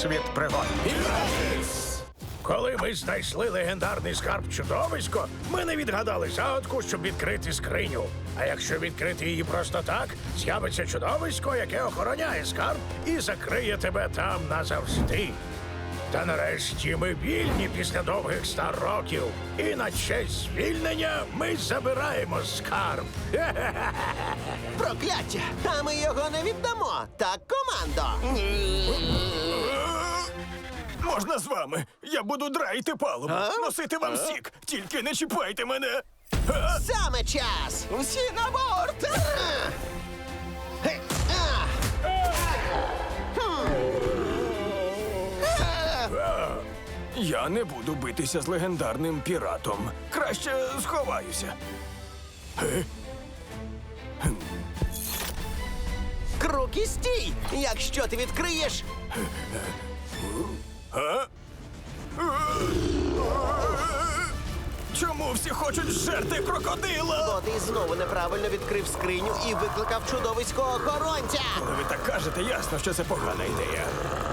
світ пригод. Коли ми знайшли легендарний скарб чудовисько, ми не відгадали загадку, щоб відкрити скриню. А якщо відкрити її просто так, з'явиться чудовисько, яке охороняє скарб і закриє тебе там назавжди. Та нарешті ми вільні після довгих 100 років. І на честь звільнення ми забираємо скарб. Прокляття! А ми його не віддамо! Так, командо! Можна з вами? Я буду драїти палубу, носити вам сік. Тільки не чіпайте мене. Саме час! Всі на борт! Я не буду битися з легендарним піратом. Краще сховаюся. Крукі, стій! Якщо ти відкриєш... Чому всі хочуть жерти крокодила? Бо ти знову неправильно відкрив скриню і викликав чудовиського охоронця! Коли ви так кажете, ясно, що це погана ідея.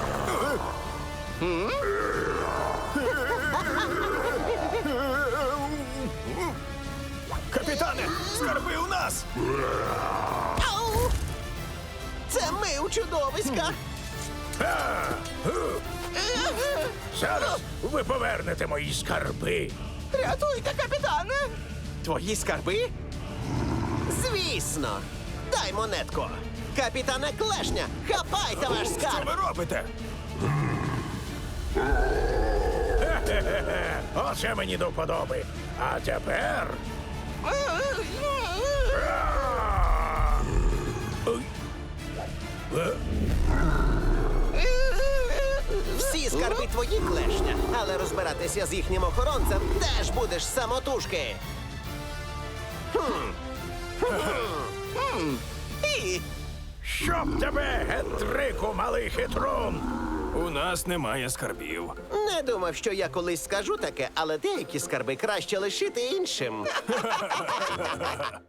Капітане, скарби у нас! Ау! Це ми у чудовиська! Зараз ви повернете мої скарби. Рятуйте, капітане! Твої скарби? Звісно! Дай монетку! Капітане Клешня, хапайте ваш Що скарб! ви робите? Оце мені до вподоби. А тепер... Всі скарби твої, Клешня, але розбиратися з їхнім охоронцем теж будеш самотужки. І Щоб тебе, гетрику, малий хитрун! У нас немає скарбів. не думав, що я колись скажу таке, але деякі скарби краще лишити іншим.